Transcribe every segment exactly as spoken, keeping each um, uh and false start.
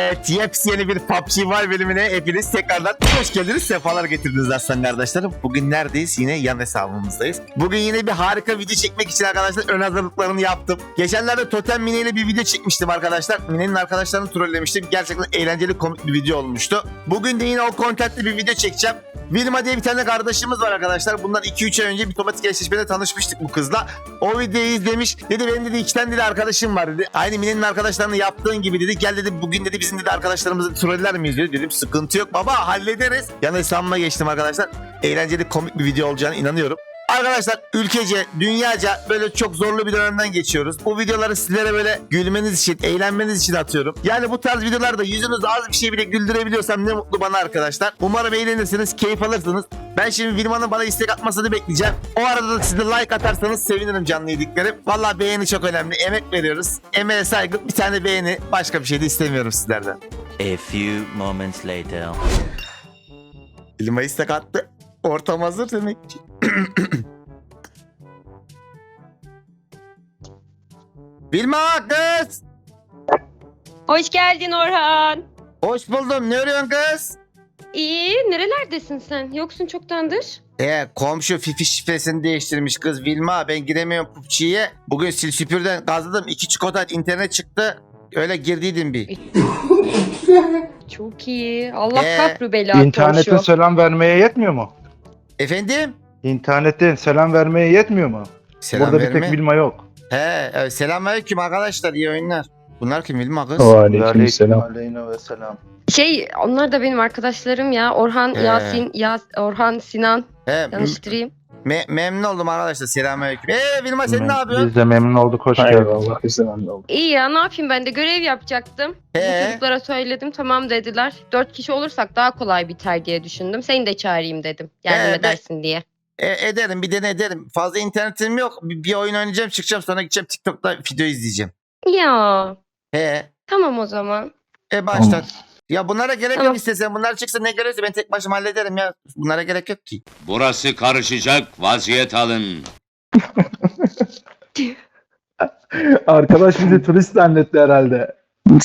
Evet, yepyeni bir P U B G Mobile bölümüne hepiniz tekrardan hoş geldiniz, sefalar getirdiniz aslan kardeşlerim. Bugün neredeyiz? Yine yan hesabımızdayız. Bugün yine bir harika video çekmek için arkadaşlar ön hazırlıklarını yaptım. Geçenlerde Totem Mine ile bir video çekmiştim arkadaşlar. Mine'nin arkadaşlarını trollemiştim. Gerçekten eğlenceli, komik bir video olmuştu. Bugün de yine o kontentli bir video çekeceğim. Vilma diye bir tane kardeşimiz var arkadaşlar. Bundan iki üç ay önce bir otomatik eşleşmede tanışmıştık bu kızla. O videoyu izlemiş. Dedi benim dedi iki tane dedi arkadaşım var dedi. Aynı Mine'nin arkadaşlarını yaptığın gibi dedi. Gel dedi bugün dedi bizim dedi arkadaşlarımızı troller miyiz dedi. Dedim sıkıntı yok baba, hallederiz. Yani hesabıma geçtim arkadaşlar. Eğlenceli, komik bir video olacağına inanıyorum. Arkadaşlar ülkece, dünyaca böyle çok zorlu bir dönemden geçiyoruz. Bu videoları sizlere böyle gülmeniz için, eğlenmeniz için atıyorum. Yani bu tarz videolarda yüzünüzü az bir şey bile güldürebiliyorsam ne mutlu bana arkadaşlar. Umarım eğlenirsiniz, keyif alırsınız. Ben şimdi Vilma'nın bana istek atmasını bekleyeceğim. O arada da siz de like atarsanız sevinirim canlı yediklerim. Vallahi beğeni çok önemli. Emek veriyoruz. Emeğe saygı, bir tane beğeni. Başka bir şey de istemiyorum sizlerden. A few moments later. Vilma istek attı. Ortam hazır demek ki. Vilma kız. Hoş geldin Orhan. Hoş buldum. Ne arıyorsun kız? İyi, nerelerdesin sen? Yoksun çoktandır. Ee, komşu Fifi şifresini değiştirmiş kız Vilma. Ben giremiyorum P U B G'ye. Bugün sil süpürden gazladım. İki çikolata internet çıktı. Öyle girdiydim bir. Çok iyi. Allah Ee, kapru bela İnternete komşu. selam vermeye yetmiyor mu? Efendim? İnternette selam vermeye yetmiyor mu? Selam Burada bir verme. tek Vilma yok. He, evet, selamünaleyküm arkadaşlar. İyi oyunlar. Bunlar kim Vilma kız? Aleykümselam. Aleyna ve selam. Şey, onlar da benim arkadaşlarım ya. Orhan, Ee. Yasin, Yas Orhan, Sinan. He, Yanlıştırayım. me- memnun oldum arkadaşlar. Selamünaleyküm. Ee Vilma sen ne yapıyorsun? Biz de memnun olduk. Hoş geldin. Eyvallah. Güzel oldu. İyi ya, ne yapayım, ben de görev yapacaktım. Bu He. çocuklara söyledim, tamam dediler. Dört kişi olursak daha kolay biter diye düşündüm. Seni de çağırayım dedim. Yardım Ee, ben- edersin diye. E, ederim, bir dene ederim. Fazla internetim yok. Bir, bir oyun oynayacağım, çıkacağım, sonra gideceğim TikTok'ta video izleyeceğim. Ya, He. tamam o zaman. E baştan. Ya bunlara gerek Tamam. yok istesen. Bunlar çıksa ne gerekse ben tek başıma hallederim ya. Bunlara gerek yok ki. Burası karışacak, vaziyet alın. Arkadaş bizi turist zannetti herhalde.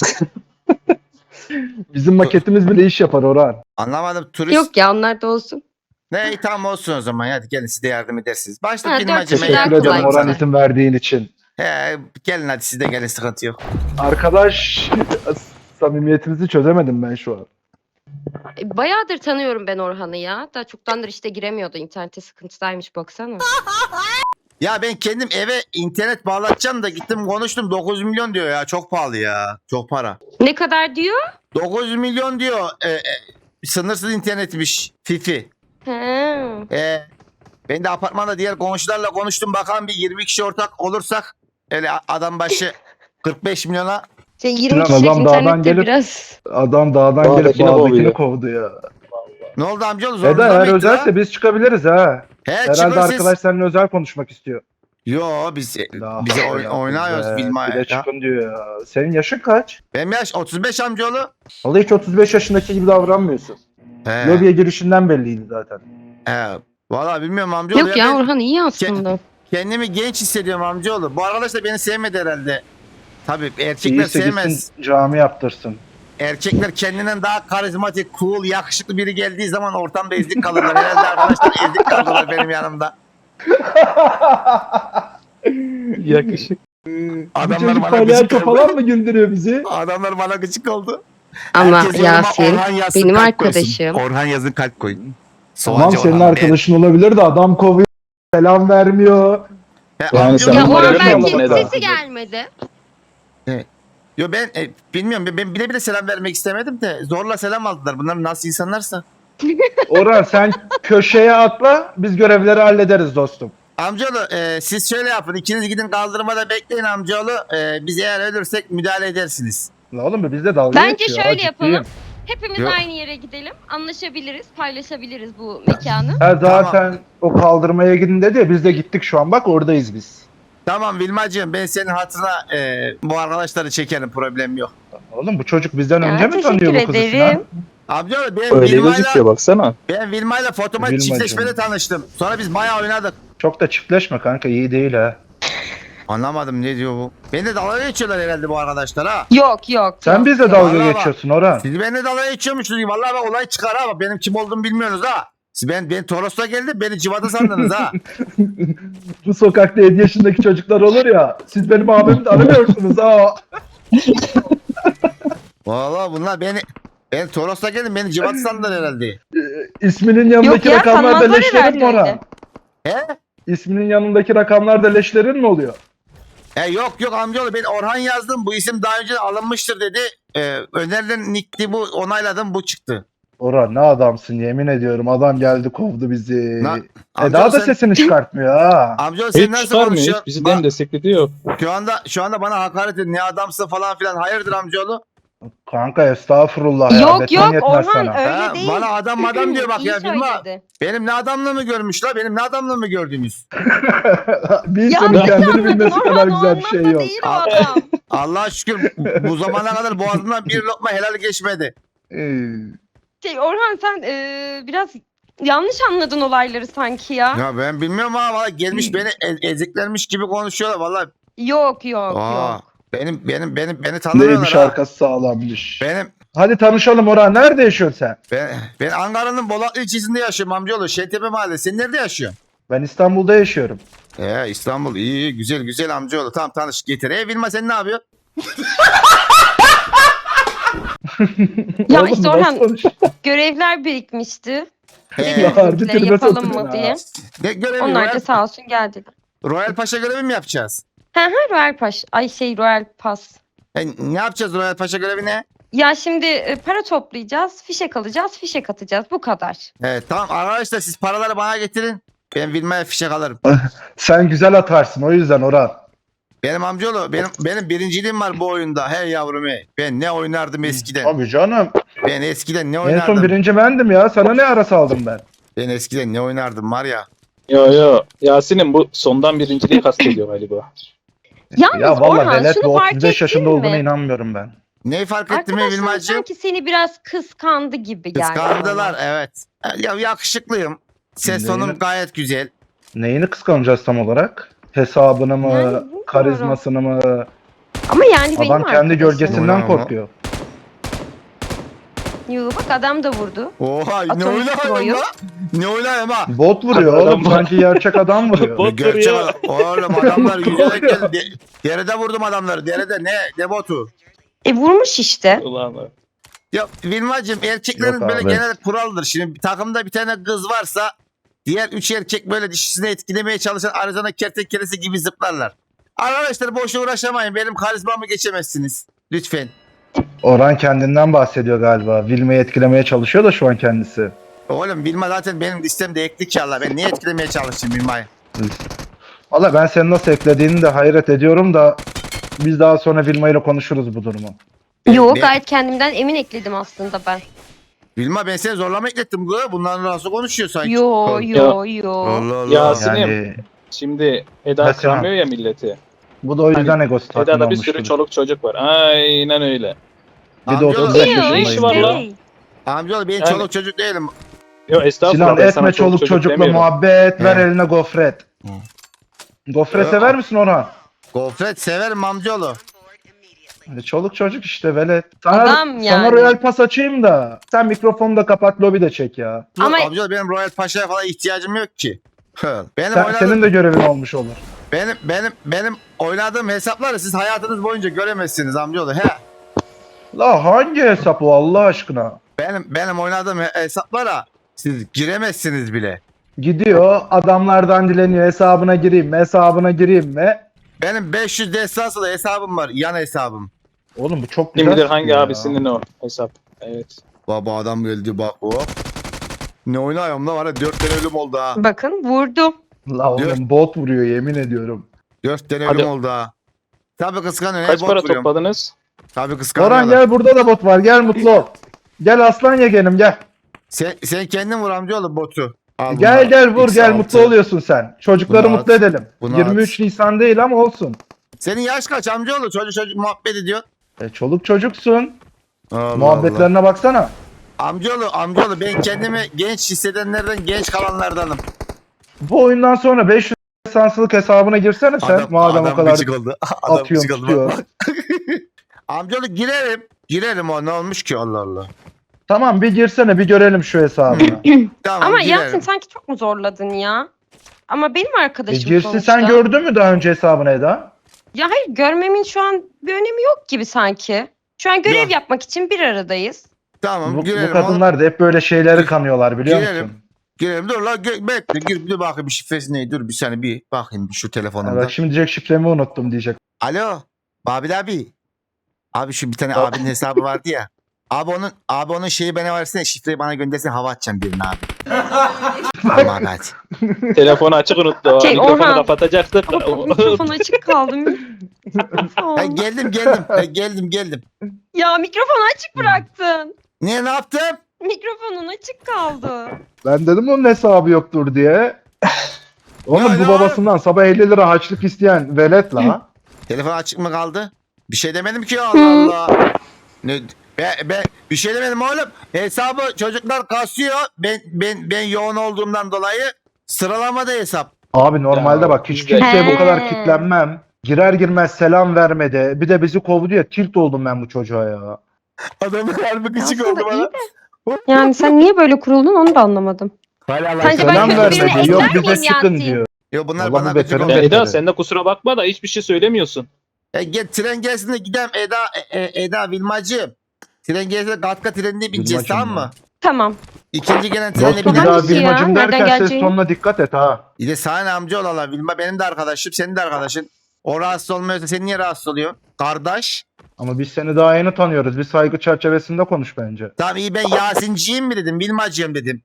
Bizim maketimiz bile iş yapar Orhan. Anlamadım, turist. Yok ya, onlar da olsun. Ne iyi, tamam olsun o zaman. Hadi gelin, siz de yardım edersiniz. Başta Ha, film dört acımaya kişi daha Teşekkür kolay ederim güzel. Orhan izin verdiğin için. He, gelin hadi siz de gelin, sıkıntı yok. Arkadaş samimiyetimizi çözemedim ben şu an. E, Bayağıdır tanıyorum ben Orhan'ı ya. Da çoktandır işte giremiyordu. İnternete sıkıntısıymış baksana. Ya ben kendim eve internet bağlatacağım da gittim konuştum, dokuz milyon diyor ya. Çok pahalı ya. Çok para. Ne kadar diyor? dokuz milyon diyor. E, e, sınırsız internetmiş Fifi. He. E, ben de apartmanda diğer komşularla konuştum. Bakalım bir yirmi kişi ortak olursak öyle adam başı kırk beş milyona. Şey, yirmi Lan kişilik adam dağdan internette gelip- biraz. Adam dağdan gelip Dağdakini bağdakini kovuyor. kovdu ya. Ne oldu amcaoğlu? Eda Zorunda eğer mıydı özelse ha? biz çıkabiliriz ha. He, Herhalde çıkın siz. arkadaş seninle özel konuşmak istiyor. Yo biz La bize havle oy- la oynuyoruz kuvvet. Vilma'ya. Bir de ya. çıkın diyor ya. Senin yaşın kaç? Benim yaş otuz beş amcaoğlu. Vallahi hiç otuz beş yaşındaki gibi davranmıyorsun. He. Lobiye girişinden belliydi zaten. He. Valla bilmiyorum amcaoğlu. Yok ya, ben Orhan iyi aslında. kendimi genç hissediyorum amcaoğlu. Bu arkadaş da beni sevmedi herhalde. Tabii erkekler İyiyse sevmez. gitsin cami yaptırsın. Erkekler kendinden daha karizmatik, cool, yakışıklı biri geldiği zaman ortamda ezik kalırlar. Herhalde arkadaşlar ezik kaldılar benim yanımda. Yakışık. Adamlar bana gıcık oldu. falan mı güldürüyor bizi? Adamlar bana gıcık oldu. Ama Herkes yanıma Yasin Orhan yazsın, benim kalp koysun. arkadaşım. Orhan yazın, kalp koyun. Tamam Soğancı senin Orhan. arkadaşın olabilir de adam kovuyor. Selam vermiyor. E, Yani amcaoğlu- sen Ya numara Orhan vermiyor musun belki Eda? sesi gelmedi. Yo ben e, bilmiyorum, ben, ben bile bile selam vermek istemedim de zorla selam aldılar. Bunlar nasıl insanlarsa. Orhan sen köşeye atla biz görevleri hallederiz dostum. Amcaoğlu e, siz şöyle yapın. İkiniz gidin kaldırmada bekleyin amcaoğlu. E, biz eğer ölürsek müdahale edersiniz. La oğlum bizde dalga Bence geçiyor, şöyle ha, ciddiyim. yapalım. Hepimiz Yok. aynı yere gidelim. Anlaşabiliriz, paylaşabiliriz bu mekanı. Ha, zaten o kaldırmaya gidin dedi ya biz de gittik şu an bak oradayız biz. Tamam Vilmacığım, ben senin hatırına e, bu arkadaşları çekerim, problem yok. Oğlum bu çocuk bizden Ya, önce mi tanıyor teşekkür bu kızı ederim. Sinan? Amcaoğlu ben Öyle gözüküyor Vilma'yla baksana. ben Vilma'yla fotomatik Vilmacığım. çiftleşmede tanıştım. Sonra biz bayağı oynadık. Çok da çiftleşme kanka iyi değil ha. Anlamadım ne diyor bu. Beni de dalga geçiyorlar herhalde bu arkadaşlar ha. Yok yok. Sen yok, bizle yok. dalga Vallahi bak. geçiyorsun Orhan. Siz benimle dalga geçiyormuşsunuz. Vallahi bak olay çıkar ha. Bak benim kim olduğumu bilmiyorsunuz ha. Siz ben, ben Toros'ta geldim beni civata sandınız ha. Bu sokakta yedi yaşındaki çocuklar olur ya. Siz benim abimi de aramıyorsunuz ha. Vallahi bunlar beni ben Toros'ta geldim beni civata sandılar herhalde. İsminin yanındaki Yok ya, rakamlar da sanmazlar leşlerin mi herhalde Orhan? öyle. He? İsminin yanındaki rakamlar da leşlerin mi oluyor? E yok yok amcaoğlu ben Orhan yazdım. Bu isim daha önce alınmıştır dedi. E, önerilen nickti bu onayladım bu çıktı. Orhan ne adamsın yemin ediyorum. Adam geldi kovdu bizi. Na- Eda Amcaoğlu da sen, sesini çıkartmıyor ha. amcaoğlu sen Hiç nasıl çıkarmıyor. konuşuyorsun? Hiç bizi dem Bak, desteklediği yok. şu anda şu anda bana hakaret ediyor. Ne adamsın falan filan. Hayırdır amcaoğlu? Kanka estağfurullah ya. Yok beton yok yetmez Orhan sana. öyle Ha, değil. bana adam adam diyor bak İyi ya bilmem. söyledi. Benim ne adamlığımı görmüş la benim ne adamlığımı gördünüz. Bir Ya insanın ne kendini anladın bilmesi Orhan, kadar o güzel bir şey anlamda yok. değil o Al- adam. Allah'a şükür bu zamana kadar boğazımdan bir lokma helal geçmedi. Ee, Şey, Orhan sen e, biraz yanlış anladın olayları sanki ya. Ya ben bilmiyorum ama valla gelmiş beni e- eziklermiş gibi konuşuyorlar valla. Yok yok Aa, yok. benim benim benim beni tanımıyorlar Neymiş ha. arkası sağlammış. Benim Hadi tanışalım Orhan. Nerede yaşıyorsun sen? ben, ben Ankara'nın Bolatlı ilçesinde yaşıyorum amcaoğlu. Şentepe Mahallesi. Sen nerede yaşıyorsun? Ben İstanbul'da yaşıyorum. Ee İstanbul iyi iyi güzel güzel amcaoğlu. Tamam tanış getir. E Vilma sen ne yapıyorsun? Ya Oğlum, işte nasıl Orhan konuş- görevler birikmişti. He. Ya, harbi Bizimkiler tribe yapalım sokun mı ya. diye. Ne görevi? Onlar Royal, da sağ olsun geldiler. Royal Paşa görevi mi yapacağız? Hı hı Royal Paş. Ay şey Royal Pass. E, ne yapacağız Royal Paşa görevi ne? Ya şimdi e, para toplayacağız, fişek alacağız, fişek atacağız. Bu kadar. Evet tamam arkadaşlar siz paraları bana getirin. Ben Vilma'ya fişek alırım. Sen güzel atarsın o yüzden Orhan. Benim amcaoğlu benim benim birinciliğim var bu oyunda. Hey yavrum hey. Ben ne oynardım eskiden. Abi canım. Ben eskiden ne En oynardım. son birinci bendim ya. Sana ne ara saldım ben? Ben eskiden ne oynardım var ya. Yo yo. Yasin'in bu sondan birinciliği kastediyor galiba. Yalnız Ya valla Orhan velet şunu bu fark otuz beş yaşında ettin olduğuna mi? inanmıyorum ben. Neyi fark ettin mi Arkadaşlar Vilmacığım? sanki seni biraz kıskandı gibi geldi. Kıskandılar bana. evet. Ya yakışıklıyım. Ses Neyini- tonum gayet güzel. Neyini kıskanacağız tam olarak? Hesabını mı? Yani bilmiyorum. Karizmasını mı? Ama yani benim Adam kendi arkadaşım. gölgesinden Oynama. korkuyor. Yoo, bak adam da vurdu. Oha ne Atomik oynayayım Pro'yu. la? Ne oynayayım ha? Bot vuruyor Adam oğlum. var. Sanki gerçek adam vuruyor. Bot Gerçek vuruyor. adam. Oğlum adamlar yüzerek geldi. De- Derede vurdum adamları. Derede ne? Ne botu? E vurmuş işte. Ulan. Ya Vilmacığım erkeklerin Yok böyle abi. genel kuraldır. Şimdi bir takımda bir tane kız varsa diğer üç erkek böyle dişisini etkilemeye çalışan Arizona kertenkelesi gibi zıplarlar. Arkadaşlar boşa uğraşamayın. Benim karizmamı geçemezsiniz. Lütfen. Orhan kendinden bahsediyor galiba. Vilme'yi etkilemeye çalışıyor da şu an kendisi. Oğlum Vilma zaten benim listemde ekli ki Allah. Ben niye etkilemeye çalışayım Vilma'yı? Valla ben seni nasıl eklediğini de hayret ediyorum da biz daha sonra Vilma ile konuşuruz bu durumu. Yo Ne? gayet kendimden emin ekledim aslında ben. Vilma ben seni zorlama eklettim. Bu. Bundan nasıl konuşuyor sanki? Yo yo yo. Allah Allah. Ya- Yasin'im. Yani Şimdi Eda Hasan. kıramıyor ya milleti. bu da o yüzden egosu tatmin Eda'da bir olmuştur. sürü çoluk çocuk var. Aynen öyle. Bir de Amcaoğlu- otuz beş Yo, yaşındayım. işi var diyor. lan. Hey. Amcaoğlu ben Yani- çoluk çocuk değilim. Yo estağfurullah. Sinan ben sana etme çoluk çocukla demiyorum. muhabbet ver He. eline gofret. Hı. Gofret Ee, sever misin Orhan? Gofret severim amcaoğlu. E, Çoluk çocuk işte velet. Sana, Adam sana yani. royal pas açayım da sen mikrofonu da kapat lobi de çek ya. Ama- Amcaoğlu benim Royal Paşa'ya falan ihtiyacım yok ki. Hı. Benim Sen, oynadığım, senin de görevin olmuş olur. benim benim benim oynadığım hesapları siz hayatınız boyunca göremezsiniz amcaoğlu. He. La hangi hesap o Allah aşkına? Benim benim oynadığım he- hesaplara siz giremezsiniz bile. Gidiyor adamlardan dileniyor hesabına gireyim mi hesabına gireyim mi? Benim beş yüz destansı hesabım var. Yan hesabım. Oğlum bu çok Kim güzel. bilir hangi çıkıyor ya. abisinin o hesap. Evet. Baba adam geldi bak hop. Ne oynuyorum da var ya dört tane ölüm oldu ha. Bakın vurdu. La oğlum bot vuruyor yemin ediyorum. Dört tane Hadi. ölüm oldu ha. Tabii kıskanıyor. Kaç Kaç para vuruyorum. topladınız? Tabii kıskanıyor. Orhan gel burada da bot var gel mutlu ol. Gel aslan yegenim gel. Sen, sen kendin vur amcaoğlu botu. Al Gel bunlar. gel vur X gel altı. mutlu oluyorsun sen. Çocukları Bunu mutlu at. edelim. Bunu yirmi üç at. Nisan değil ama olsun. Senin yaş kaç amcaoğlu? Çocuk çocuk muhabbet ediyor. E, çoluk çocuksun. Allah Allah. Muhabbetlerine baksana. Amcaoğlu amcaoğlu ben kendimi genç hissedenlerden genç kalanlardanım. Bu oyundan sonra beş yüz desanslık hesabına girsene sen. Madem o kadar gıcık oldu. Adam atıyorsun gıcık oldu. tutuyor. Amcaoğlu girerim. Girerim o ne olmuş ki Allah Allah. Tamam bir girsene bir görelim şu hesabına. Tamam Ama girerim. Yasin sanki çok mu zorladın ya? Ama benim E arkadaşım girsin sonuçta. sen gördün mü daha önce hesabını Eda? Ya hayır görmemin şu an bir önemi yok gibi sanki. Şu an görev Yok. yapmak için bir aradayız. Tamam Bu, girerim. bu kadınlar da hep böyle şeyleri kanıyorlar biliyor Girelim. musun? Girelim dur la gö- bekle gir bir de bakayım bir şifresi neydi dur bir saniye bir bakayım bir şu Ha, telefonumda. bak şimdi diyecek şifremi unuttum diyecek. Alo Babil abi. Abi şu bir tane abinin hesabı vardı ya. Abi onun abi onun şeyi bana versene şifreyi bana göndersene hava atacağım birine abi. Tamam abi hadi. Telefonu açık unuttu. Şey, Mikrofonu Orhan. kapatacaktık. Mikrofon açık kaldı. Ha, geldim geldim Ha, geldim geldim. Ya mikrofonu açık bıraktın. Niye ne yaptım? Mikrofonun açık kaldı. Ben dedim onun hesabı yoktur diye. Oğlum Ya, bu ya. babasından sabah elli lira harçlık isteyen velet la. Telefon açık mı kaldı? Bir şey demedim ki Allah Allah. Ne be, be, bir şey demedim oğlum. Hesabı çocuklar kasıyor. Ben ben ben yoğun olduğumdan dolayı sıralamada hesap. Abi normalde Ya, bak hiç güzel. kimseye bu kadar He. kitlenmem. Girer girmez selam vermedi. Bir de bizi kovdu ya tilt oldum ben bu çocuğa ya. Adamın harbi gıcık Aslında oldu iyi bana. de. Yani sen niye böyle kuruldun onu da anlamadım. Hala Allah Sence ben Selam kötü birine vermedi. Yok ekler bize miyim sıkın Yasin? diyor. Yo bunlar Vallahi bana bu gıcık beterin oldu. Ya beteri. Eda sen de kusura bakma da hiçbir şey söylemiyorsun. E, gel tren gelsin de gidelim Eda e, e, Eda Vilmacığım. Tren gelsin de Gatka trenine bineceğiz Vilmacığım tamam ya. mı? Tamam. İkinci gelen trene Dostum bir binelim. daha Hangisi ya? Vilmacım Nereden derken ses geleceğini? tonuna dikkat et ha. Bir de sana ne amca olalar Vilma benim de arkadaşım senin de arkadaşın. O rahatsız olmuyorsa sen niye rahatsız oluyorsun? Kardeş. Ama biz seni daha yeni tanıyoruz. Bir saygı çerçevesinde konuş bence. Tamam iyi ben Yasinciyim mi dedim Vilmacığım dedim.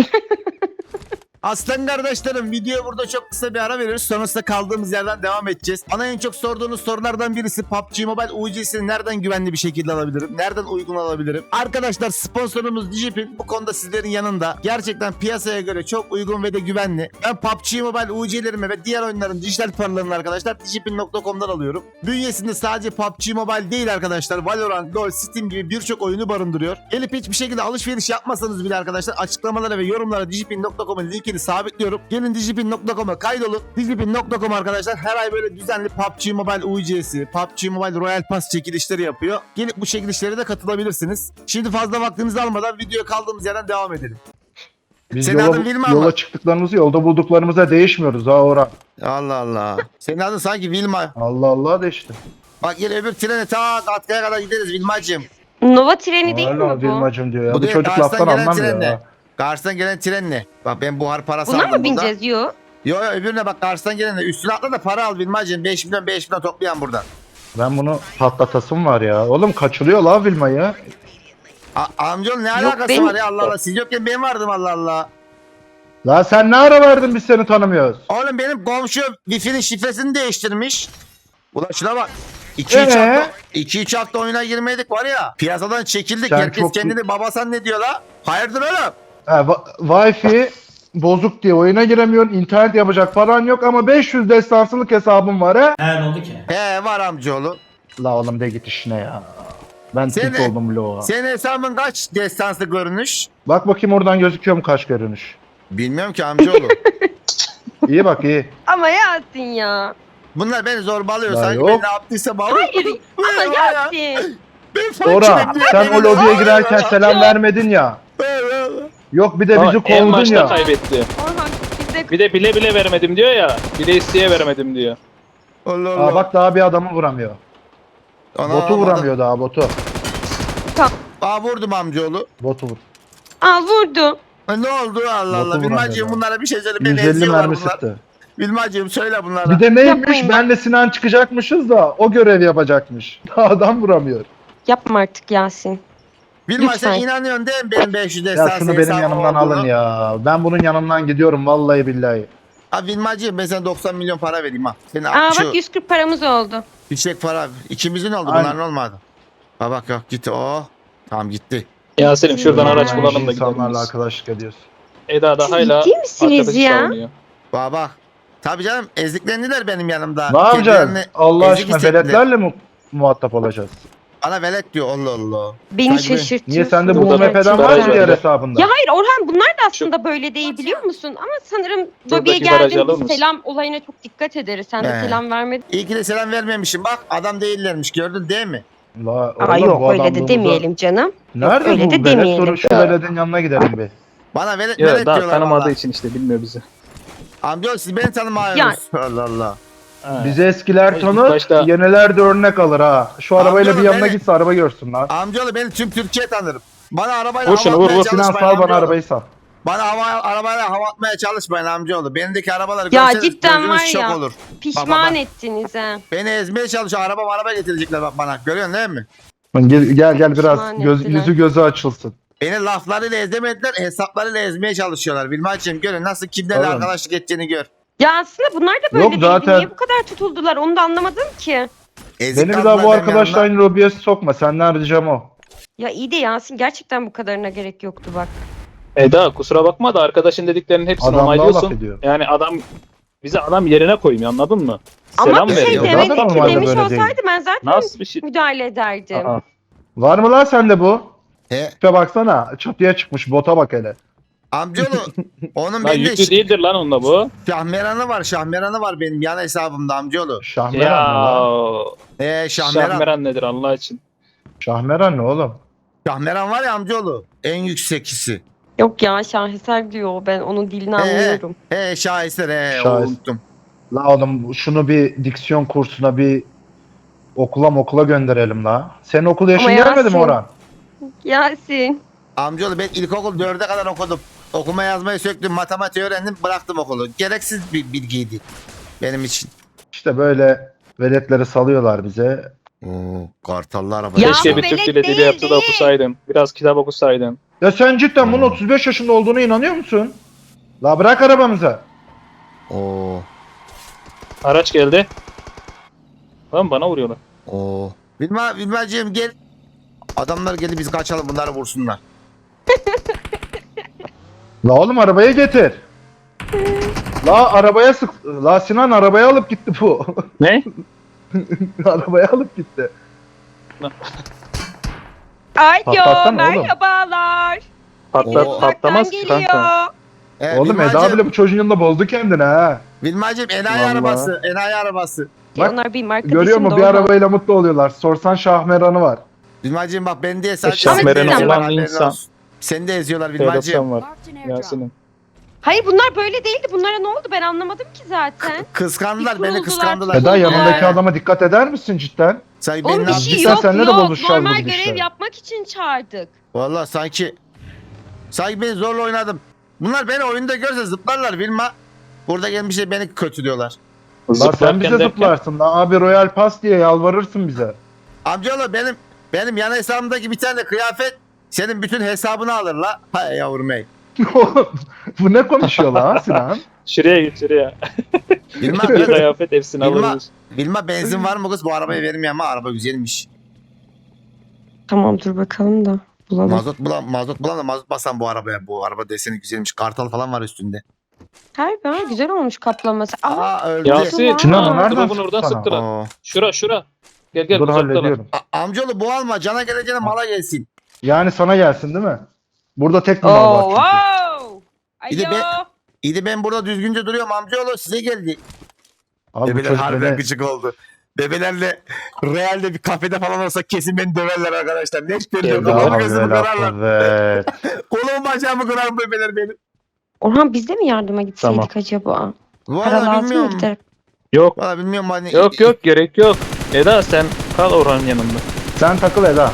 Aslan kardeşlerim videoya burada çok kısa bir ara veriyoruz. Sonrasında kaldığımız yerden devam edeceğiz. Bana en çok sorduğunuz sorulardan birisi P U B G Mobile U C'sini nereden güvenli bir şekilde alabilirim? Nereden uygun alabilirim? Arkadaşlar sponsorumuz Digipin bu konuda sizlerin yanında. Gerçekten piyasaya göre çok uygun ve de güvenli. Ben P U B G Mobile U C'lerimi ve diğer oyunların dijital paralarını arkadaşlar digipin nokta com'dan alıyorum. Bünyesinde sadece P U B G Mobile değil arkadaşlar. Valorant, LoL, Steam gibi birçok oyunu barındırıyor. Gelip hiçbir şekilde alışveriş yapmasanız bile arkadaşlar açıklamalara ve yorumlara digipin nokta com'un linkini sabitliyorum. Gelin digipin nokta com'a kaydolun. digipin nokta com arkadaşlar her ay böyle düzenli P U B G Mobile U C'si, P U B G Mobile Royal Pass çekilişleri yapıyor. Gelip bu çekilişlere de katılabilirsiniz. Şimdi fazla vaktinizi almadan videoya kaldığımız yerden devam edelim. Biz Senin yola, adın Vilma yola mı? çıktıklarımızı yolda bulduklarımıza değişmiyoruz ha Orhan. Allah Allah. Senin adın sanki Vilma. Allah Allah de işte. Bak gel öbür trene ta Katkaya kadar gideriz Vilmacığım. Nova treni değil Hala mi bu? Vilmacım diyor ya. Bu Bu, değil, çocuk Kars'tan laftan gelen anlamıyor trenle. ya. Karşıdan gelen trenle. Bak ben buhar parası Buna aldım mı burada. bineceğiz? Yok. Yo yo öbürüne bak karşıdan gelenle. Üstüne atla da para al Vilmacığım. beş milyon beş milyon toplayan buradan. Ben bunu patlatasım var ya. Oğlum kaçırıyor la Vilma'yı. A amcaoğlu ne alakası benim- var ya Allah Allah. Siz yokken ben vardım Allah Allah. La sen ne ara verdin biz seni tanımıyoruz. Oğlum benim komşu Wi-Fi'nin şifresini değiştirmiş. Ulan şuna bak. iki üç Ee? hafta, iki üç hafta oyuna girmedik var ya. Piyasadan çekildik. Sen Herkes çok- kendini babasan ne diyor la? Hayırdır oğlum? Ha, va- Wi-Fi bozuk diye oyuna giremiyorsun. İnternet yapacak paran yok ama beş yüz destansılık hesabım var ha. He ne oldu ki? He var amcaoğlu. La oğlum de git işine ya. Ben Seni- tilt oldum bloğa. Senin hesabın kaç destanslı görünüş? Bak bakayım oradan gözüküyor mu kaç görünüş. Bilmiyorum ki amcaoğlu. İyi bak iyi. Ama Yasin ya. Bunlar beni zorbalıyor. Ya Sanki yok. ben ne yaptıysam abi. Hayır. Ama Yasin. Ben fakir Orhan diye sen beni o lobiye zorbalıyor. girerken selam vermedin ya. Yok bir de bizi Ama en kovdun başta ya. kaybetti. Orhan bizde Bir de bile bile vermedim diyor ya. Bile isteye vermedim diyor. Allah Allah. Aa bak daha bir adamı vuramıyor. Ana, Botu adam- vuramıyor daha botu. Aa vurdum amcaoğlu. Botu vur. Aa vurdu. Ha, ne oldu Allah Botu Allah. Bilmacığım vuramıyor bunlara bir şey söyle. Beni yüz elli eziyorlar mermi bunlar. sıktı. Bilmacığım söyle bunlara. Bir de neymiş Yapmayın. benle Sinan çıkacakmışız da o görev yapacakmış. Daha adam vuramıyor. Yapma artık Yasin. Bilma sen lütfen. inanıyorsun değil mi benim beş yüz Ya destansı şunu benim hesabım yanımdan olduğunu? alın ya. Ben bunun yanından gidiyorum vallahi billahi. Abi Bilmacığım ben sana doksan milyon para vereyim ha. Senin Aa şu bak yüz kırk paramız oldu. yüksek para. İkimizin oldu Aynen. bunların olmadı. Ha bak yok gitti o. Tamam gitti. Yasin'im şuradan Ya. araç bulalım da İnsanlarla gidelim. arkadaşlık ediyoruz. Eda da Siz hala ciddi misiniz arkadaşı ya? savunuyor. Bak bak. Tabii canım eziklendiler benim yanımda. Ne yapacağız? Kendilerini Allah ezik aşkına hissettiler. veletlerle mi muhatap olacağız? Bana velet diyor Allah Allah. Beni Sanki ben- şaşırtıyorsun. Niye sende bu Burada U M P'den da var mı garaj diğer var. hesabında? Ya hayır Orhan bunlar da aslında böyle değil biliyor musun? Ama sanırım lobiye Buradaki garajı alır geldiğinde mısın? selam olayına çok dikkat ederiz. Sen de He. selam vermedin. İyi ki de selam vermemişim. Bak adam değillermiş gördün değil mi? La, Aa oğlum, yok bu öyle de adamlığımıza- demeyelim canım. Nerede öyle bu de velet? demeyelim. Sorun şu Ya. veletin yanına gidelim bir. Bana velet Ya velet daha diyorlar tanımadığı valla. için işte bilmiyor bizi. Amcaoğlu siz beni tanımıyorsunuz. Allah Allah. Ha. Bizi eskiler İlk tanır, başta- yeniler de örnek alır ha. Şu arabayla bir Amcaoğlu, yanına beni- gitse araba görsün lan. Amcaoğlu beni tüm Türkiye tanırım. Bana arabayla Vur hava şunu, vur, atmaya vur. Sinan çalışmayın sal bana amcaoğlu. arabayı sal. Bana hava, arabayla hava atmaya çalışmayın amcaoğlu. Benimdeki arabaları Ya görseniz cidden gözünüz var şok ya. olur. Pişman Bak, bak, bak. ettiniz ha. Beni ezmeye çalışıyor. Araba araba getirecekler bak bana. Görüyorsun değil mi? Gel gel, gel biraz Pişman göz, ettiler. yüzü gözü açılsın. Beni laflarıyla ezemediler, hesaplarıyla ezmeye çalışıyorlar. Bilmacığım görün nasıl kimlerle Oğlum. arkadaşlık edeceğini gör. Ya aslında bunlar da böyle Yok, değildi. zaten- Niye bu kadar tutuldular onu da anlamadım ki. Ezik Beni bir kaldılar daha bu benim arkadaşla yanımda. aynı lobiye sokma. Senden ricam o. Ya iyi de Yasin gerçekten bu kadarına gerek yoktu bak. Eda kusura bakma da arkadaşın dediklerinin hepsini Adam daha laf onaylıyorsun. ediyor. Yani adam bizi adam yerine koymuyor anladın mı? Ama Selam bir şey veriyor. Zaten demedim ki normalde demiş böyle değil. olsaydı ben zaten Nasıl bir şey? müdahale ederdim. Aa, Var mı lan sende bu? He, Tipe baksana. Çatıya çıkmış. Bota bak hele. amcaoğlu onun lan bende yüklü değildir lan onunla bu. şahmeranı var. Şahmeranı var benim yan hesabımda amcaoğlu. Şahmeran ne Ya lan? Ee, şahmeran. Şahmeran nedir Allah için? Şahmeran ne oğlum? Şahmeran var ya amcaoğlu. En yüksekisi. Yok ya şaheser diyor ben onun dilini He, anlıyorum. He şaheser he. Şahes- Unuttum. La oğlum şunu bir diksiyon kursuna bir okula okula gönderelim la. Senin okul yaşın Ama gelmedi mi Yasin- Orhan? Yasin. Amcaoğlu ben ilkokul dörde kadar okudum. Okuma yazmayı söktüm, matematiği öğrendim, bıraktım okulu. Gereksiz bir bilgiydi benim için. İşte böyle veletleri salıyorlar bize. Oo, kartallı araba. Ya Keşke bu bir Türk velet dili değil, dili yapsa da değil. okusaydın. Biraz kitap okusaydın. Ya sen cidden bunun Hmm. otuz beş yaşında olduğuna inanıyor musun? La bırak arabamıza. Oo, Araç geldi. Lan bana vuruyorlar. oo. Bilma, Bilmacığım gel. Adamlar geldi biz kaçalım bunları vursunlar. La oğlum arabaya getir. La arabaya sık. La Sinan arabaya alıp gitti bu. Ne? Arabaya alıp gitti. Alo Patlatsana oğlum. merhabalar. Patlat, Oo. patlamaz ki Geliyor. kanka. Ee, Oğlum Eda Bilmacığım, bile bu çocuğun yanında bozdu kendini ha. Bilmacığım enayi Vallahi. arabası, enayi arabası. Bak, Onlar benim arkadaşım Görüyor mu da bir Orhan. arabayla mutlu oluyorlar. Sorsan Şahmeran'ı var. Bilmacığım bak ben diye sadece Şahmeran seni de eziyorlar, olan haberin insan. olsun. Seni de eziyorlar T Bilmacığım. doksan var. Yasin'im. Hayır bunlar böyle değildi. Bunlara ne oldu ben anlamadım ki zaten. Kıskandılar Bir beni kuruldular, kıskandılar. bir Eda Bunlar- yanındaki adama dikkat eder misin cidden? Sanki Oğlum beni bir ne şey Cidden yok seninle de yok. bozuşacağız Normal bu görev gidişle. yapmak için çağırdık. Valla sanki sanki beni zorla oynadım. Bunlar beni oyunda görse zıplarlar Vilma. Burada gelmişler beni kötülüyorlar. La sen Zıplarken bize derken- zıplarsın. La abi Royal Pass diye yalvarırsın bize. Amcaoğlu benim benim yan hesabımdaki bir tane kıyafet senin bütün hesabını alır la. Hay yavrum ey. Bu ne konuşuyor lan Sinan? Şuraya git şuraya. Vilma, Bir kıyafet hepsini Vilma, alırız. Vilma benzin var mı kız? Bu arabayı vermiyor ama araba güzelmiş. Tamam dur bakalım da bulalım. Mazot bulan, mazot bulan da mazot basan bu arabaya. Bu araba deseni güzelmiş. Kartal falan var üstünde. Harbi ha güzel olmuş kaplaması. Aa, Aa öldü. Yasin. Sinan o nereden Drop'un sıktı oradan sana? sıktılar. Oo. Şura şura. Gel gel Dur uzaktalar. hallediyorum. A- amcaoğlu bu alma. Cana geleceğine mala gelsin. Yani sana gelsin değil mi? Burada tek bir mal var Oo, çünkü. wow. Bir de Alo. ben- İyi de ben burada düzgünce duruyorum amcaoğlu size geldi. Abi bu Bebeler çocuk harbiden beni... gıcık oldu. Bebelerle realde bir kafede falan olsa kesin beni döverler arkadaşlar. Ne istiyorsun? Gel Kafamı Ya gözümü Allah kırarlar. kuvvet. Kolumu bacağımı kırar bebeler benim. Orhan biz de mi yardıma gitseydik Tamam. acaba? Para Valla lazım mı bilmiyorum. gider? Yok Valla bilmiyorum hani. yok yok gerek yok. Eda sen kal Orhan'ın yanında. Sen takıl Eda.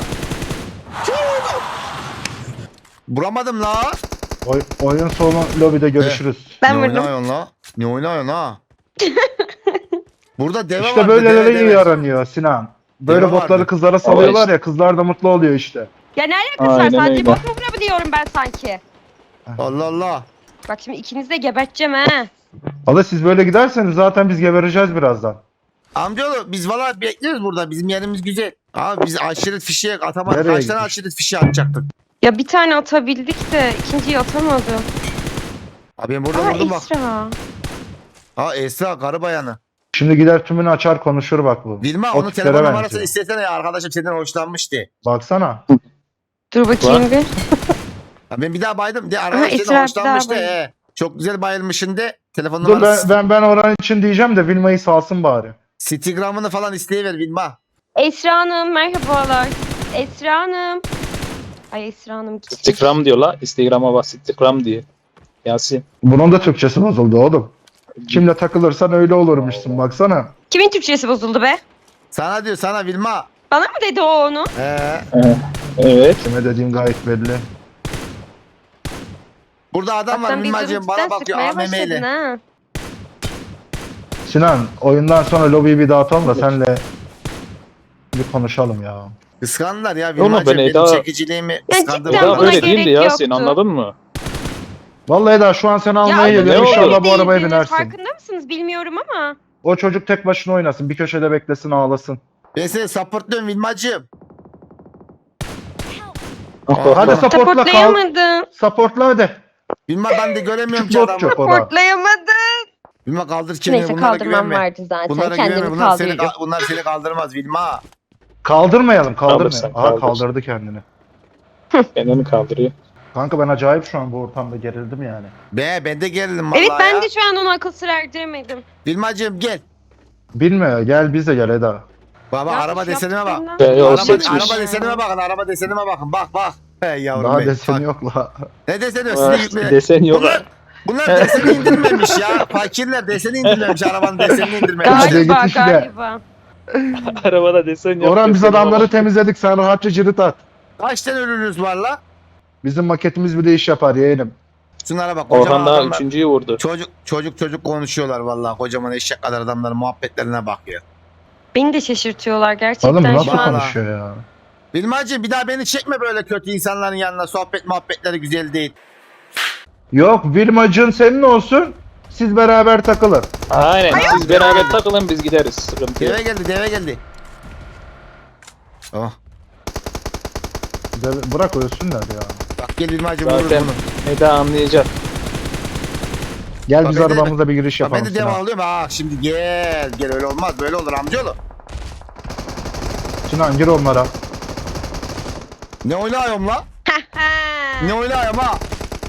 Vuramadım la. Oy, oyun sonu lobide görüşürüz. Ben ne vurdum. oynuyorsun la? Ne oynuyorsun ha? Burada deve İşte vardı. böyleleri deve, iyi deve. yaranıyor Sinan. Böyle Deve botları vardı. kızlara salıyorlar ya kızlar da mutlu oluyor işte. Ya ne alakası var? Aynen Sadece öyle. bot mu vurabiliyorum ben sanki? Allah Allah. Bak şimdi ikinizi de geberteceğim ha. Valla siz böyle giderseniz zaten biz gebereceğiz birazdan. Amcaoğlu biz valla bekliyoruz burada. Bizim yerimiz güzel. Abi biz aşiret fişeği atamadık. Nereye Kaç tane gitmiş? aşiret fişeği atacaktık? Ya bir tane atabildik de ikinciyi atamadım. Abi ben burada Aa vurdum bak. Esra. Ha Esra karı bayanı. Şimdi gider tümünü açar konuşur bak bu. Vilma O onun tiplere telefon numarasını benziyor. istesene ya. Arkadaşım senden hoşlanmıştı. Baksana. Dur bakayım bir. Ya ben bir daha baydım. De Ha, arkadaş senden Esra bir daha hoşlanmıştı. bayıldı. He. Çok güzel bayılmışın de. Telefon Dur ben, numarası. ben, ben oran için diyeceğim de Vilma'yı salsın bari. Instagram'ını falan isteyiver Vilma. Esra Hanım merhabalar. Esra Hanım. Ay Esra Hanım gitti. Instagram diyor la. Instagram'a bak Instagram diye. Yasin. Bunun da Türkçesi bozuldu oğlum. Kimle takılırsan öyle olurmuşsun baksana. Kimin Türkçesi bozuldu be? Sana diyor sana Vilma. Bana mı dedi o onu? He. Evet. Kime dediğim gayet belli. Burada adam var Bak sen bir Vilmacığım bana gürültüden bakıyor sıkmaya A V M başladın ile. ha. Sinan oyundan sonra lobiyi bir dağıtalım da senle bir konuşalım ya. Kıskandılar ya Oğlum Vilmacığım. ben Benim Eda- çekiciliğimi kıskandı. cidden Eda buna böyle gerek değildi Yasin yoktu. anladın mı? Vallahi Eda şu an seni almaya Ya geliyor. ne oldu? İnşallah bu değildiniz, arabaya binersin. Farkında mısınız bilmiyorum ama. O çocuk tek başına oynasın. Bir köşede beklesin ağlasın. Ben seni supportluyorum Vilmacığım. Hadi supportla kal. Supportlayamadım. Supportla hadi. Vilma ben de göremiyorum ki Küçük bot adamı. çok o da. Supportlayamadım. Vilma kaldır kendini. Neyse Bunlara kaldırmam güvenme. vardı zaten. Bunlara Kendimi güvenme. Bunlar seni, kaldırıyorum. bunlar seni kaldırmaz Vilma. Kaldırmayalım kaldırmayalım. Kaldırsan, Aha kaldır. kaldırdı kendini. Kendini kaldırıyor. Kanka ben acayip şu an bu ortamda gerildim yani. Be ben de gerildim vallahi Evet ben ya. de şu an onu akıl sır erdiremedim. Vilmacığım gel. Bilmiyor gel biz de gel Eda. Baba Ya araba şu desenime bak. yaptıklarından Be, o Araba, sonra- seçmiş. araba desenime bakın. Araba desenime bakın. Bak bak. Hey yavrum Daha benim. deseni Bak. yok la. Ne deseni? Aa, Sizi yükle. Desen yok. Bunlar, bunlar deseni indirmemiş ya. Fakirler deseni indirmemiş. Arabanın desenini indirmemiş. Hadi Galiba git işine. galiba. Arabada desen yok. Orhan biz desen adamları yok. temizledik sen rahatça cirit at. Kaç tane ürününüz var la? Bizim maketimiz bir de iş yapar yeğenim. Şunlara bak. Kocaman Orhan daha adamlar. üçüncüyü vurdu. Çocuk çocuk çocuk konuşuyorlar vallahi. Kocaman eşek kadar adamların muhabbetlerine bak ya. Beni de şaşırtıyorlar gerçekten Oğlum bu nasıl şu an. Vallahi. konuşuyor ya? Bilmacığım bir daha beni çekme böyle kötü insanların yanına. Sohbet muhabbetleri güzel değil. Yok Vilmacığın senin olsun. Siz beraber takılın. Aynen. Siz beraber takılın biz gideriz. Sıkıntı yok. Deve geldi deve geldi. Oh. De- Bırak ölsünler ya. Bak gel Bilmacığım vurur Zaten bunu. Eda anlayacak. Gel Bak biz ben de- arabamızla bir giriş Bak ben yapalım. de devam Sinan. alıyorum. Ha şimdi gel. Gel öyle olmaz. Böyle olur amcaoğlu. Sinan gir onlara. Ne oynuyorum la? Ne oynuyorum ha?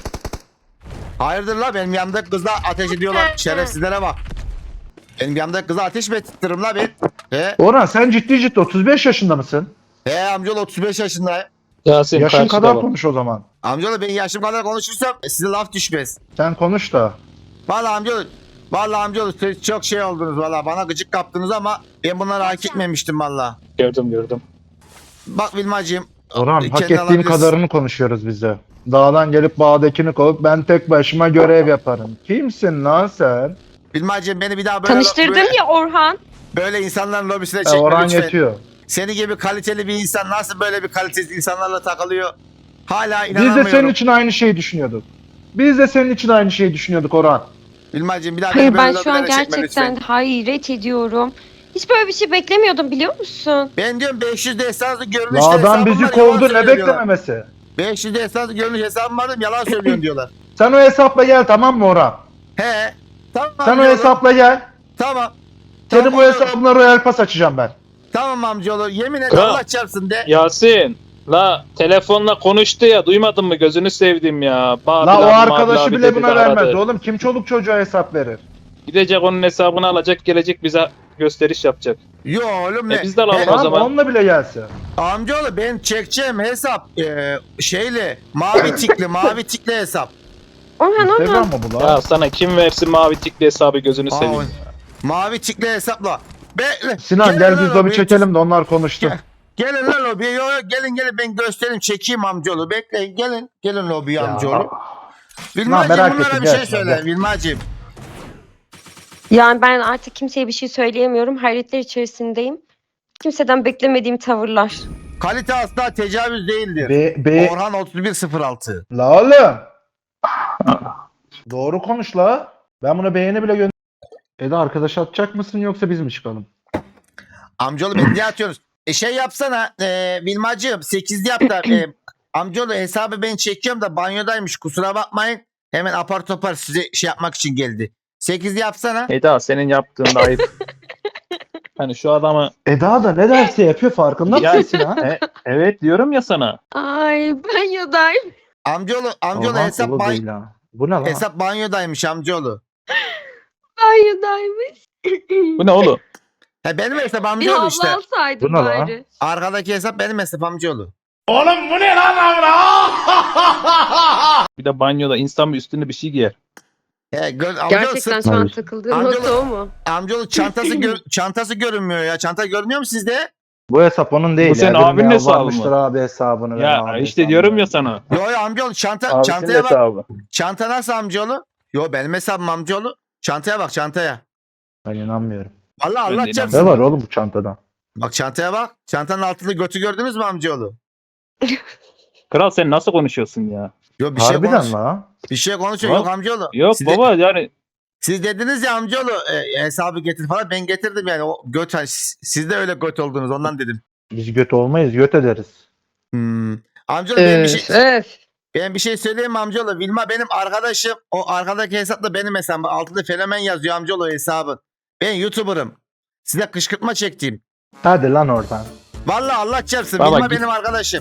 Hayırdır la benim yanımdaki kızla ateş ediyorlar. Şerefsizlere bak. Benim yanımdaki kıza ateş mi ettiririm la ben? He? Orhan sen ciddi ciddi otuz beş yaşında mısın? He amcaoğlu otuz beş yaşındayım. Yasin Yaşın karşıda kadar bak. konuş o zaman. Amcaoğlu ben yaşım kadar konuşursam size laf düşmez. Sen konuş da. Vallahi amcaoğlu. Vallahi amcaoğlu siz çok şey oldunuz valla. Bana gıcık kaptınız ama ben bunları hak etmemiştim valla. Gördüm gördüm. Bak Vilmacığım. Orhan kendi hak ettiğin alabilirsin. kadarını konuşuyoruz biz de. Dağdan gelip bağdakini kovup ben tek başıma görev yaparım. Kimsin lan sen? Vilmacığım beni bir daha böyle, Tanıştırdın böyle, ya Orhan. böyle insanların lobisine E, çekme Orhan lütfen. yetiyor. Seni gibi kaliteli bir insan nasıl böyle bir kalitesiz insanlarla takılıyor? Hala Biz inanamıyorum. de senin için aynı şeyi düşünüyorduk. Biz de senin için aynı şeyi düşünüyorduk Orhan. Vilmacığım bir daha Hayır beni ben böyle şu an lobilere çekme gerçekten lütfen. hayret ediyorum. Hiç böyle bir şey beklemiyordum biliyor musun? Ben diyorum beş yüz de esaslı görünüşte La adam hesabım bizi var, yalan kovdu ne söylüyor diyorlar. beklememesi. beş yüz de esaslı görünüş hesabım var dedim, yalan söylüyorsun diyorlar. Sen o hesapla gel tamam mı Orhan? He. Tamam Sen o amcaoğlu. hesapla gel. Tamam. Senin Tamam, bu hesabına Royal Pass açacağım ben. Tamam amcaoğlu yemin et Ya. Allah çarpsın de. Yasin. La telefonla konuştu ya duymadın mı gözünü sevdim ya. Babil La o abi, Mabil arkadaşı abi bile dedi buna de aradı. vermez oğlum. Kim çoluk çocuğa hesap verir? Gidecek onun hesabını alacak gelecek bize gösteriş yapacak. Yo oğlum ne? E biz de alalım He, o Tamam zaman. onunla bile gelse. amcaoğlu ben çekeceğim hesap e, şeyle mavi tikli mavi tikli hesap. Orhan Orhan. Instagram mı bu lan? Ya sana kim versin mavi tikli hesabı gözünü Aa, seveyim. mavi tikli hesapla. Bekle. Sinan Gelin gel lan biz lobi lobiye. çekelim de onlar konuştu. Gel. Gelin lan lobiye. Yo, yo, gelin gelin ben göstereyim çekeyim amcaoğlu. Bekleyin gelin. Gelin lobiye Ya. amcaoğlu. merak Vilmacığım bunlara ettim, bir şey gel, söyle. gel. Vilmacığım. Yani ben artık kimseye bir şey söyleyemiyorum. Hayretler içerisindeyim. Kimseden beklemediğim tavırlar. Kalite asla tecavüz değildir. Be, be, Orhan otuz bir sıfır altı. la oğlum. Doğru konuş la. Ben buna beğeni bile gönder. Eda arkadaş atacak mısın yoksa biz mi çıkalım? Amcaoğlu beni niye atıyorsunuz? E şey yapsana e, Vilmacığım sekizli yap da e, amcaoğlu hesabı ben çekiyorum da banyodaymış kusura bakmayın. Hemen apar topar size şey yapmak için geldi. sekizli yapsana. Eda senin yaptığın da ayıp. Hani şu adamı Eda da ne derse yapıyor farkında Ya- mısın ha? E, evet diyorum ya sana. Ay banyodayım. Amcaoğlu, amcaoğlu Aman hesap, kulu ban- değil ha. Bu ne lan? hesap banyodaymış amcaoğlu. Banyodaymış. Bu ne oğlum? He benim hesap Bir amcaoğlu havlu işte. alsaydım Bu ne lan? bari. Arkadaki hesap benim hesap amcaoğlu. Bir de banyoda insan bir üstünde bir şey giyer. He, gör, amcaoğlu, Gerçekten şu an Hayır. takıldığım Amcaoğlu- nokta o mu? amcaoğlu çantası, gör- çantası görünmüyor ya. Çanta görünüyor mu sizde? Bu hesap onun değil. Bu senin ya. Birine abinin hesabı yalvarmıştır mı? abi hesabını. verin Ya abi işte hesabını diyorum verin. ya sana. Yo yo amcaoğlu çanta, Abisinin çantaya bak. hesabı. Çanta nasıl amcaoğlu? Yo benim hesabım amcaoğlu. Çantaya bak çantaya. Ben inanmıyorum. Vallahi Ben de Allah inanmıyorum. çarpsın. Ne var oğlum bu çantada? Bak çantaya bak. Çantanın altında götü gördünüz mü amcaoğlu? Kral sen nasıl konuşuyorsun ya? Yo bir şey konuş. Harbiden la. Bir şey konuşuyor. Yok. Yok amcaoğlu. Yok Siz de- baba yani siz dediniz ya amcaoğlu e, hesabı getir falan. Ben getirdim yani. O göt, hani siz siz de öyle göt oldunuz ondan dedim. Biz göt olmayız, göt ederiz. Hmm. Amcaoğlu ben bir Öf şey... öf. Ben bir şey söyleyeyim mi amcaoğlu? Vilma benim arkadaşım. O arkadaki hesap da benim hesabım. Altında fenomen yazıyor amcaoğlu hesabı. Ben YouTuber'ım. Size kışkırtma çektiğim. Hadi lan oradan. Vallahi Allah çarpsın. Baba Vilma git. benim arkadaşım.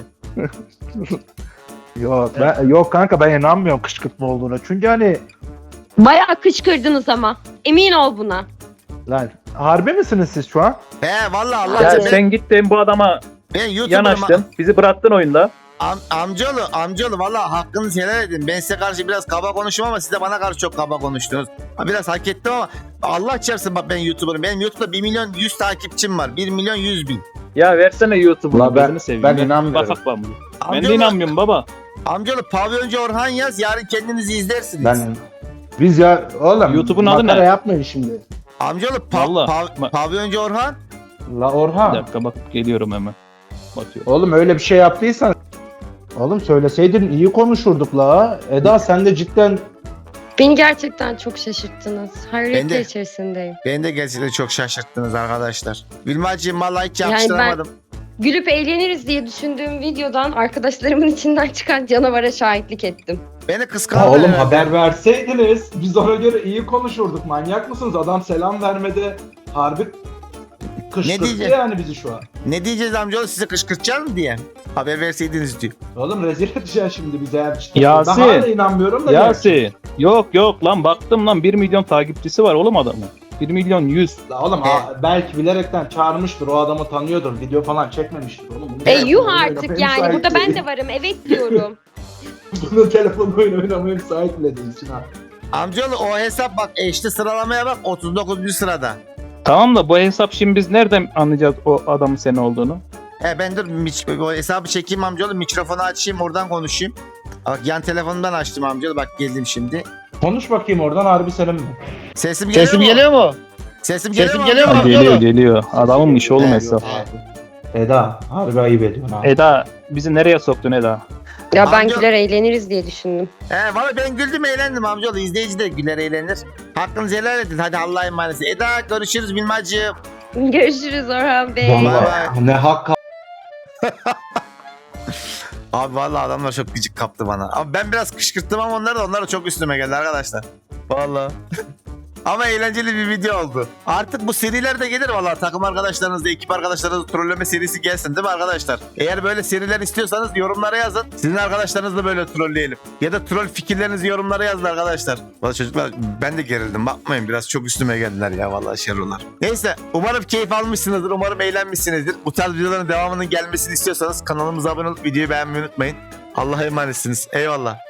Yok, ben, yok kanka ben inanmıyorum kışkırtma olduğuna. Çünkü hani Bayağı kışkırdınız ama. Emin ol buna. lan harbi misiniz siz şu an? He vallahi Allah ya çarpsın. Ben, sen gittin bu adama ben YouTuber'ım. yanaştın. Bizi bıraktın oyunda. Am, amcaoğlu, amcaoğlu vallahi hakkınızı helal edin. Ben size karşı biraz kaba konuştum ama siz de bana karşı çok kaba konuştunuz. Ha, biraz hak ettim ama Allah çarpsın bak ben YouTuber'ım. Benim YouTube'da bir milyon yüz takipçim var. bir milyon yüz bin. Ya versene YouTube'u. La ben- gözünü seveyim. ben Ya. inanmıyorum. Bak bak ben, ben de Amcaoğlu, inanmıyorum baba. amcaoğlu pavyoncu Orhan yaz. Yarın kendinizi izlersiniz. Ben biz ya oğlum YouTube'un adı makara ne? yapmayın şimdi. Amcaoğlu pa- Vallahi. pav- Ma- pavyoncu Orhan. La Bir Orhan. dakika bakıp geliyorum hemen. Bakıyorum. Oğlum öyle bir şey yaptıysan oğlum söyleseydin iyi konuşurduk la. Eda sen de cidden Beni gerçekten çok şaşırttınız. Ben Hayretler de. içerisindeyim. Beni de gerçekten çok şaşırttınız arkadaşlar. Vilmacığım vallahi hiç Yani yakıştıramadım. Gülüp eğleniriz diye düşündüğüm videodan arkadaşlarımın içinden çıkan canavara şahitlik ettim. Beni Ha kıskandı. oğlum haber verseydiniz biz ona göre iyi konuşurduk. Manyak mısınız? Adam selam vermede harbi Ne kışkırttı diyecek? yani bizi şu an. Ne diyeceğiz amcaoğlu size kışkırtacağız mı diye. Haber verseydiniz diyor. Oğlum rezil edeceksin şimdi bize eğer cidden. Yasin. Ben hala inanmıyorum da. Yasin. Yok yok lan baktım lan bir milyon takipçisi var oğlum adamın. bir milyon yüz. La oğlum ha, belki bilerekten çağırmıştır. O adamı tanıyordur. Video falan çekmemiştir oğlum. Bunun E telefonu yuh oyun artık oynamaya yani. müsait Burada ben değil. de varım. Evet diyorum. Bunun telefonu oyun oynamaya müsait bile değilsin ha. Amcaoğlu o hesap bak eşli sıralamaya bak otuz dokuzuncu sırada. Tamam da bu hesap şimdi biz nereden anlayacağız o adamın senin olduğunu? He ben dur miç- o hesabı çekeyim amcaoğlu mikrofonu açayım oradan konuşayım. Bak yan telefonumdan açtım amcaoğlu bak geldim şimdi. Konuş bakayım oradan harbi senin mi? Sesim geliyor mu? mu? Sesim geliyor Sesim mu? geliyor mu? amcaoğlu? Geliyor geliyor. Adamın işi oğlum He, hesap. Eda harbi ayıp ediyorsun ha. Eda bizi nereye soktun Eda? Ya ben Amca- güler eğleniriz diye düşündüm. He valla ben güldüm eğlendim amcaoğlu. İzleyici de güler eğlenir. Hakkınızı helal edin. Hadi Allah'a emanet. Eda görüşürüz Bilmacığım. Görüşürüz Orhan Bey. Bay Vallahi ne hak Abi vallahi adamlar çok gıcık kaptı bana. Ama ben biraz kışkırttım ama onlar da onlar da çok üstüme geldi arkadaşlar. Vallahi. Ama eğlenceli bir video oldu. Artık bu seriler de gelir vallahi takım arkadaşlarınızla, ekip arkadaşlarınızla trolleme serisi gelsin değil mi arkadaşlar? Eğer böyle seriler istiyorsanız yorumlara yazın. Sizin arkadaşlarınızla böyle trolleyelim. Ya da troll fikirlerinizi yorumlara yazın arkadaşlar. Vallahi çocuklar ben de gerildim. Bakmayın biraz çok üstüme geldiler ya vallahi şerrolar. Neyse umarım keyif almışsınızdır. Umarım eğlenmişsinizdir. Bu tarz videoların devamının gelmesini istiyorsanız kanalımıza abone olup videoyu beğenmeyi unutmayın. Allah'a emanetsiniz. Eyvallah.